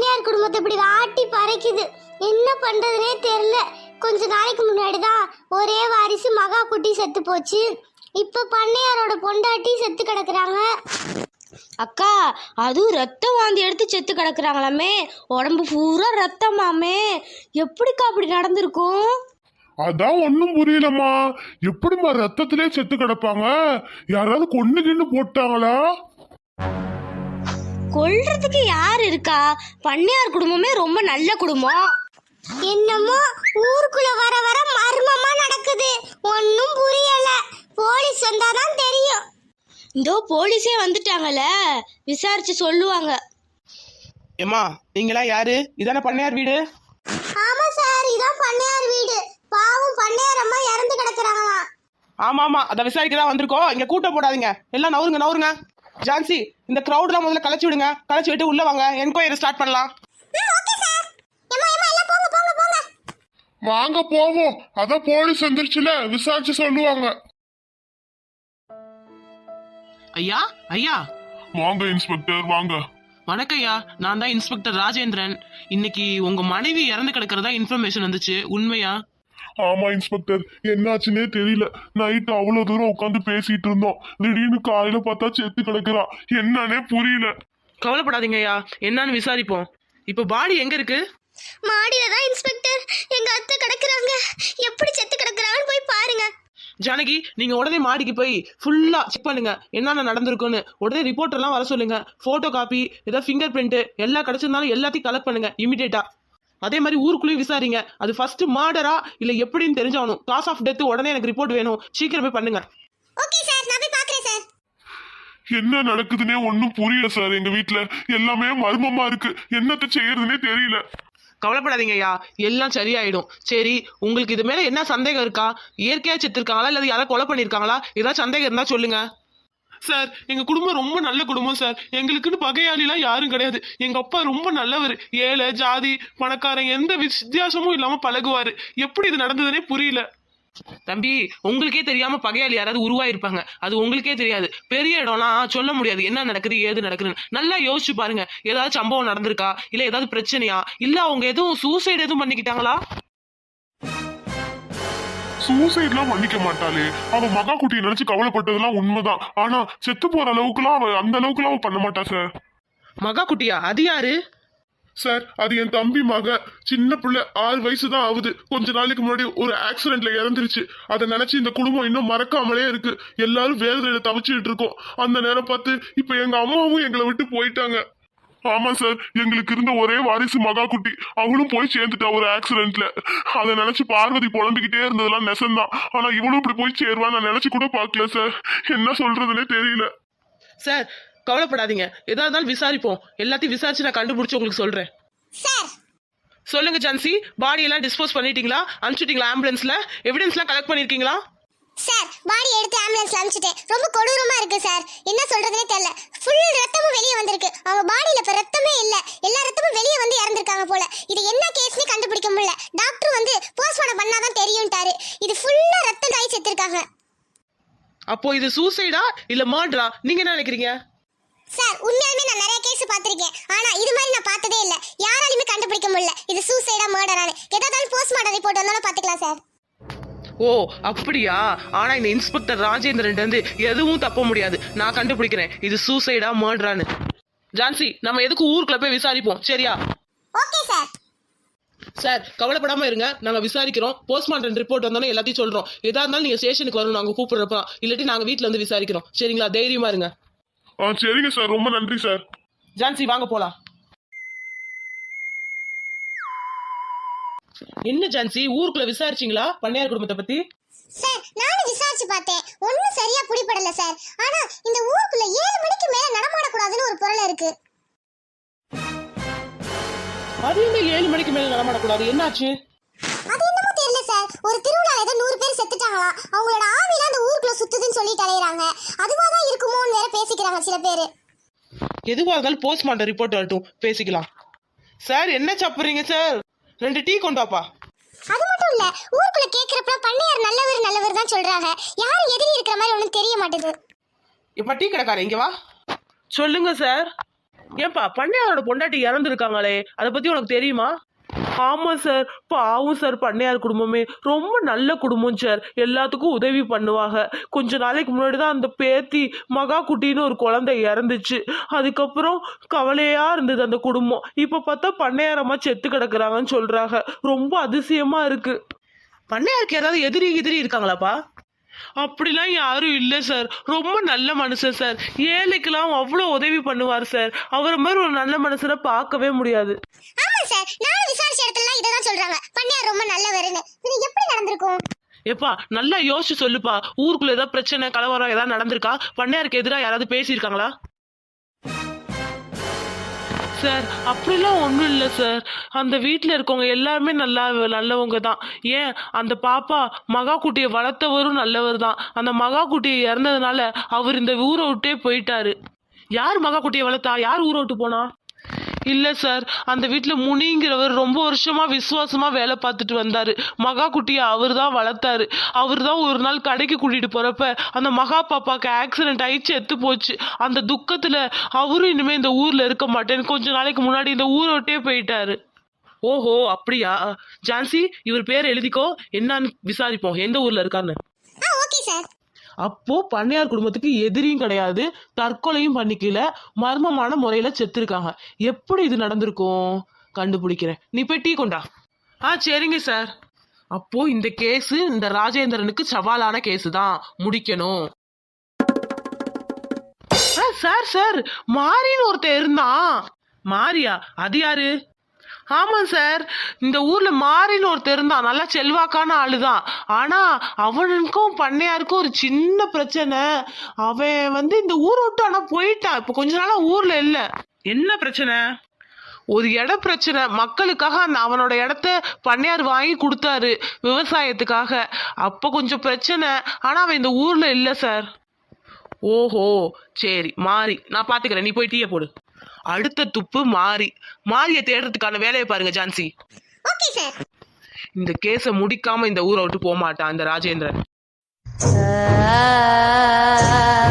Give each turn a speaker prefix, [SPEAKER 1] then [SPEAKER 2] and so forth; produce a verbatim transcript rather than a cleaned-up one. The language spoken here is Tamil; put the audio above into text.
[SPEAKER 1] பண்ணையார் குடும்பத்தை இப்படி ஆட்டி பறைக்குது. என்ன பண்றதுனே தெரியல. கொஞ்ச நாளைக்கு முன்னாடி தான் ஒரே வாரிசு மகா குட்டி செத்து போச்சு. இப்ப பண்ணையாரோட பொண்டாட்டி செத்து கிடக்குறாங்க.
[SPEAKER 2] அக்கா, அதுவும் ரத்தம் வாந்தி எடுத்து செத்து கிடக்குறாங்களாமே. உடம்பு பூரா ரத்தமாமே. எப்படிக்கா அப்படி நடந்திருக்கும்?
[SPEAKER 3] அதான் ஒன்னும் புரியலம்மா. எப்படிம்மா ரத்தத்திலே செத்து கிடப்பாங்க? யாராவது கொண்டு கிண்டு போட்டாங்களா?
[SPEAKER 2] கொல்றதுக்கு யார் இருக்கா? பண்ணையார் குடும்பமே ரொம்ப நல்ல குடும்பம்.
[SPEAKER 1] என்னமோ ஊருக்குள்ள வர வர மர்மமா நடக்குது. ஒன்னும் புரியல. போலீஸ் வந்தாதான் தெரியும்.
[SPEAKER 2] இதோ போலீஸே வந்துட்டாங்கல்ல, விசாரிச்சு சொல்லுவாங்க.
[SPEAKER 4] ஏம்மா, நீங்களா யாரு? இதானே பண்ணையார் வீடு?
[SPEAKER 1] ஆமா சார், இதான் பண்ணையார் வீடு. பாவம் பண்ணையார் அம்மா இறந்து கிடக்குறாங்களாம்.
[SPEAKER 4] ஆமா ஆமா, அதை விசாரிக்க தான் வந்திருக்கோம். இங்க கூட்டம் போடாதீங்க, எல்லாம் நவருங்க நவருங்க. ஜான்சி, இந்த கிரௌட்லாம் முதல்ல கலைச்சு விடுங்க. கலைச்சு விட்டு உள்ள வாங்க, என்கொயரி ஸ்டார்ட் பண்ணலாம்.
[SPEAKER 3] வாங்க போவோம். அதான் போலீஸ் வந்துருச்சுல, விசாரிச்சு சொல்லுவாங்க.
[SPEAKER 4] ஐயா ஐயா.
[SPEAKER 3] வாங்க இன்ஸ்பெக்டர், வாங்க.
[SPEAKER 4] வணக்கம் ஐயா, நான் தான் இன்ஸ்பெக்டர் ராஜேந்திரன். இன்னைக்கு உங்க மனைவி இறந்து கிடக்கிறதா இன்ஃபர்மேஷன் வந்துச்சு, உண்மையா?
[SPEAKER 3] ஆமா இன்ஸ்பெக்டர், என்னாச்சுன்னே தெரியல. நைட்டு அவ்வளவு தூரம் உட்காந்து பேசிட்டு இருந்தோம். திடீர்னு காலையில பார்த்தா செத்து கிடக்குறா. என்னன்னே புரியல.
[SPEAKER 4] கவலைப்படாதீங்க ஐயா, என்னன்னு விசாரிப்போம். இப்ப பாடி எங்க இருக்கு?
[SPEAKER 1] மாடியில தான் இன்ஸ்பெக்டர். எங்க அத்தை கிடக்குறாங்க. எப்படி செத்து கிடக்குறாங்கன்னு போய் பாருங்க.
[SPEAKER 4] ஜானகி, நீங்க உடனே மாடிக்கு போய் ஃபுல்லா செக் பண்ணுங்க, என்னென்ன நடந்திருக்குன்னு. உடனே ரிப்போர்ட் எல்லாம் வர சொல்லுங்க. போட்டோ காப்பி, ஏதாவது ஃபிங்கர் பிரிண்ட் எல்லாம் கிடைச்சிருந்தாலும் எல்லாத்தையும் கலெக்ட் பண்ணுங்க இமிடியேட்டா. அதே மாதிரி ஊருக்குள்ளேயும் விசாரிங்க. அது ஃபர்ஸ்ட் மர்டரா இல்ல எப்படின்னு தெரிஞ்சாகணும். காஸ் ஆஃப் டெத் உடனே எனக்கு ரிப்போர்ட் வேணும். சீக்கிரமே பண்ணுங்க.
[SPEAKER 1] ஓகே சார், நான் போய் பார்க்கறேன் சார்.
[SPEAKER 3] என்ன நடக்குதுன்னே ஒன்னும் புரியல சார். எங்க வீட்டுல எல்லாமே மர்மமா இருக்கு. என்னத்த செய்யறதுன்னே தெரியல.
[SPEAKER 4] கவலைப்படாதீங்க ஐயா, எல்லாம் சரியாயிடும். சரி, உங்களுக்கு இது மேல என்ன சந்தேகம் இருக்கா? இயற்கையா செத்துருக்காங்களா இல்ல யாராவது கொலை பண்ணிருக்காங்களா? ஏதாவது சந்தேகம் இருந்தா சொல்லுங்க. சார், எங்க குடும்பம் ரொம்ப நல்ல குடும்பம் சார். எங்களுக்குன்னு பகையாளிலாம் யாரும் கிடையாது. எங்க அப்பா ரொம்ப நல்லவர். ஏழை ஜாதி பணக்காரன் எந்த வித்தியாசமும் இல்லாம பழகுவாரு. எப்படி இது நடந்ததுன்னே புரியல. தம்பி, உங்களுக்கே தெரியாம பகையாளி யாராவது உருவாயிருப்பாங்க. அது உங்களுக்கே தெரியாது. பெரிய இடம்லாம் சொல்ல முடியாது என்ன நடக்குது ஏது நடக்குதுன்னு. நல்லா யோசிச்சு பாருங்க. ஏதாவது சம்பவம் நடந்திருக்கா இல்ல ஏதாவது பிரச்சனையா இல்ல அவங்க எதுவும் சூசைட் எதுவும் பண்ணிக்கிட்டாங்களா?
[SPEAKER 3] சூசைட்லாம் பண்ணிக்க மாட்டாளே. அவ மகா குட்டியை நினைச்சு கவலைப்பட்டதெல்லாம் உண்மைதான். ஆனா செத்து போற அளவுக்குலாம் அவ அந்த அளவுக்குலாம் அவ பண்ண மாட்டா சார்.
[SPEAKER 4] மகா குட்டியா? அது யாரு
[SPEAKER 3] சார்? அது என் தம்பி மக. சின்ன பிள்ளை, ஆறு வயசு தான் ஆகுது. கொஞ்ச நாளைக்கு முன்னாடி ஒரு ஆக்சிடென்ட்ல இறந்துருச்சு. அதை நினைச்சு இந்த குடும்பம் இன்னும் மறக்காமலே இருக்கு. எல்லாரும் வேதனையில தவிச்சுட்டு இருக்கோம். அந்த நேரம் பார்த்து இப்ப எங்க அம்மாவும் எங்களை விட்டு போயிட்டாங்க. ஆமா சார், எங்களுக்கு இருந்த ஒரே வாரிசு மகா குட்டி, அவளும் போய் சேர்ந்துட்டா ஒரு ஆக்சிடென்ட்ல. அதை நினைச்சு பார்வதி புலம்பிக்கிட்டே இருந்ததெல்லாம் நெசந்தான். ஆனா இவளும் இப்படி போய் சேருவான்னு நான் நினைச்சு கூட பாக்கல சார். என்ன சொல்றதுன்னே தெரியல
[SPEAKER 4] சார். கவலைப்படாதீங்க, எதா இருந்தாலும் விசாரிப்போம். எல்லாத்தையும் விசாரிச்சு நான் கண்டுபிடிச்சு உங்களுக்கு சொல்றேன்.
[SPEAKER 1] சார்
[SPEAKER 4] சொல்லுங்க ஜான்சி, பாடி எல்லாம் டிஸ்போஸ் பண்ணிட்டீங்களா? அனுப்பிச்சிட்டீங்களா? ஆம்புலன்ஸ்ல எவிடன்ஸ் எல்லாம் கலெக்ட் பண்ணிருக்கீங்களா?
[SPEAKER 1] சார், பாடி எடுத்து ஆம்புலன்ஸ்ல அனுப்பிச்சிட்டேன். ரொம்ப கொடூரமா இருக்கு சார். என்ன சொல்றதுனே தெரியல. ஃபுல் ரத்தமும் வெளியே வந்திருக்கு. அவங்க பாடியில இப்ப ரத்தமே இல்ல. எல்லா ரத்தமும் வெளியே வந்து இறந்திருக்காங்க போல. இது என்ன கேஸ்னே கண்டுபிடிக்க முடியல. டாக்டர் வந்து போஸ்ட்மார்ட்டம் பண்ணாதான் தெரியும்ட்டாரு. இது ஃபுல்லா ரத்தம் காய் செத்துருக்காங்க.
[SPEAKER 4] அப்போ இது சூசைடா இல்ல மர்டரா? நீங்க என்ன நினைக்கிறீங்க?
[SPEAKER 1] சார், உண்மையாலுமே நான் நிறைய கேஸ் பார்த்திருக்கேன். ஆனா இது மாதிரி நான் பார்த்ததே இல்ல. யாராலுமே கண்டுபிடிக்க முடியல இது சூசைடா மர்டரானு. ஏதாவது போஸ்ட்மார்ட்டம் ரிப்போர்ட் வந்தாலும் பாத்துக்கலாம் சார்.
[SPEAKER 4] ஓ அப்படியா? ஆனா இந்த இன்ஸ்பெக்டர் ராஜேந்திரன் வந்து எதுவும் தப்ப முடியாது. நான் கண்டுபிடிக்கிறேன் இது சூசைடா மர்டரானு. ஜான்சி, நம்ம எதுக்கு ஊருக்குள்ள போய் விசாரிப்போம், சரியா?
[SPEAKER 1] Okay sir.
[SPEAKER 4] சார், கவலைப்படாம இருங்க, நாங்க விசாரிக்கிறோம். போஸ்ட்மார்ட்டம் ரிப்போர்ட் வந்தாலும் எல்லாத்தையும் சொல்றோம். எதா இருந்தாலும் நீங்க ஸ்டேஷனுக்கு வரணும், நாங்க கூப்பிடுறப்ப. இல்லாட்டி நாங்க வீட்டுல வந்து விசாரிக்கிறோம், சரிங்களா? தைரியமா இருங்க.
[SPEAKER 3] ஆ சரிங்க சார், ரொம்ப நன்றி சார்.
[SPEAKER 4] ஜான்சி, வாங்க போலாம். என்ன ஜான்சி, ஊருக்குள்ள விசாரிச்சீங்களா பண்ணையார் குடும்பத்தை பத்தி?
[SPEAKER 1] சார், நானும் விசாரிச்சு பார்த்தேன். ஒண்ணும் சரியா புடிபடல சார். ஆனா இந்த ஊருக்குள்ள ஏழு மணிக்கு மேல நடமாட கூடாதுன்னு ஒரு பொருள் இருக்கு.
[SPEAKER 4] அது என்ன ஏழு மணிக்கு மேல நடமாடக்கூடாது? என்னாச்சு?
[SPEAKER 1] அது என்னமோ தெரியல சார். ஒரு திருவிழால ஏதோ நூறு பேர் செத்துட்டாங்களா. அவங்களோட ஆவிலாம் அந்த ஊருக்குள்ள சுத்துதுன்னு சொல்லிட்டு அலையறாங்க. அதுவாதான் இருக்குமோன்னு வேற பேசிக்கிறாங்க சில பேர்.
[SPEAKER 4] எதுவா இருந்தாலும் போஸ்ட்மார்ட்டம் ரிப்போர்ட் வரட்டும், பேசிக்கலாம். சார், என்ன சாப்பிடுறீங்க சார்? ரெண்டு டீ கொண்டு வாப்பா.
[SPEAKER 1] அது மட்டும் இல்ல, ஊருக்குள்ள கேக்குறப்ப பண்ணையார் நல்லவர் நல்லவர் தான் சொல்றாங்க. யாரும் எதிரி இருக்கிற மாதிரி ஒண்ணும் தெரிய மாட்டேது.
[SPEAKER 4] இப்ப டீ கடைக்காரன் இங்க வா. சொல்லுங்க சார். ஏன்பா பண்ணையாரோட பொண்டாட்டி இறந்துருக்காங்களே அதை பத்தி உனக்கு தெரியுமா? ஆமா சார், பாவம் சார். பண்ணையார் குடும்பமே ரொம்ப நல்ல குடும்பம் சார். எல்லாத்துக்கும் உதவி பண்ணுவாங்க. கொஞ்ச நாளைக்கு முன்னாடி தான் அந்த பேத்தி மகா குட்டின்னு ஒரு குழந்தை இறந்துச்சு. அதுக்கப்புறம் கவலையா இருந்தது அந்த குடும்பம். இப்ப பார்த்தா பண்ணையாரம்மா செத்து கிடக்குறாங்கன்னு சொல்றாங்க. ரொம்ப அதிசயமா இருக்கு. பண்ணையாருக்கு ஏதாவது எதிரி எதிரி இருக்காங்களாப்பா? அப்படிலாம் யாரும் இல்லை சார். ரொம்ப நல்ல மனுஷன் சார். ஏழைக்கெல்லாம் அவ்வளோ உதவி பண்ணுவார் சார். அவரை மாதிரி ஒரு நல்ல மனுஷனை பார்க்கவே முடியாது.
[SPEAKER 1] ஆமா சார், நானும் விசாரிச்ச இடத்துல இதை தான் சொல்றாங்க. பண்ணையார் ரொம்ப நல்லவருன்னு. இது எப்படி நடந்திருக்கும்?
[SPEAKER 4] ஏப்பா நல்லா யோசிச்சு சொல்லுப்பா. ஊருக்குள்ள ஏதாவது பிரச்சனை கலவரம் ஏதாவது நடந்திருக்கா? பண்ணையாருக்கு எதிராக யாராவது பேசியிருக்காங்களா? சார் அப்படிலாம் ஒன்றும் இல்லை சார். அந்த வீட்டில் இருக்கவங்க எல்லாருமே நல்லா நல்லவங்க தான். ஏன் அந்த பாப்பா மகா குட்டியை வளர்த்தவரும் நல்லவர் தான். அந்த மகா குட்டியை இறந்ததுனால அவர் இந்த ஊரை விட்டே போயிட்டாரு. யார் மகா குட்டியை வளர்த்தா? யார் ஊரை விட்டு போனா? இல்லை சார், அந்த வீட்டில் முனிங்கிறவர் ரொம்ப வருஷமா விசுவாசமா வேலை பார்த்துட்டு வந்தாரு. மகா குட்டியை அவர் தான் வளர்த்தாரு. அவர் தான் ஒரு நாள் கடைக்கு கூட்டிட்டு போறப்ப அந்த மகா பாப்பாக்கு ஆக்சிடென்ட் ஆகி செத்து போச்சு. அந்த துக்கத்துல அவரும் இனிமே இந்த ஊர்ல இருக்க மாட்டேன்னு கொஞ்ச நாளைக்கு முன்னாடி இந்த ஊரை விட்டே போயிட்டாரு. ஓஹோ அப்படியா? ஜான்சி, இவர் பேர் எழுதிக்கோ, என்னன்னு விசாரிப்போம் எந்த ஊர்ல இருக்கான்னு.
[SPEAKER 1] ஆ ஓகே சார்.
[SPEAKER 4] அப்போ பண்ணையார் குடும்பத்துக்கு எதிரியும் கிடையாது, தற்கொலையும் பண்ணிக்கல, மர்மமான முறையில செத்துருக்காங்க. எப்படி இது நடந்திருக்கும் கண்டுபிடிக்கிறேன். நீ போய் டீ கொண்டா. ஆ சரிங்க சார். அப்போ இந்த கேஸ் இந்த ராஜேந்திரனுக்கு சவாலான கேஸ் தான், முடிக்கணும். சார் சார் மாரின்னு ஒருத்தர் இருந்தான். மாரியா? அது யாரு? ஆமா சார், இந்த ஊர்ல மாரின்னு ஒருத்தர் இருந்தான். நல்லா செல்வாக்கான ஆளுதான். ஆனா அவனுக்கும் பண்ணையாருக்கும் ஒரு சின்ன பிரச்சனை. அவன் வந்து இந்த ஊரை விட்டு ஆனா போயிட்டான். இப்ப கொஞ்ச நாளா ஊர்ல இல்ல. என்ன பிரச்சனை? ஒரு இட பிரச்சனை. மக்களுக்காக அந்த அவனோட இடத்த பண்ணையார் வாங்கி கொடுத்தாரு விவசாயத்துக்காக. அப்ப கொஞ்சம் பிரச்சனை. ஆனா அவன் இந்த ஊர்ல இல்ல சார். ஓஹோ சரி, மாறி நான் பாத்துக்கிறேன். நீ போய் டீயை போடு. அடுத்த துப்பு மாறி. மாரியை தேடுறதுக்கான வேலையை பாருங்க ஜான்சி.
[SPEAKER 1] Okay sir.
[SPEAKER 4] இந்த கேஸை முடிக்காம இந்த ஊரை விட்டு போக மாட்டான் இந்த ராஜேந்திரன்.
[SPEAKER 2] ஆ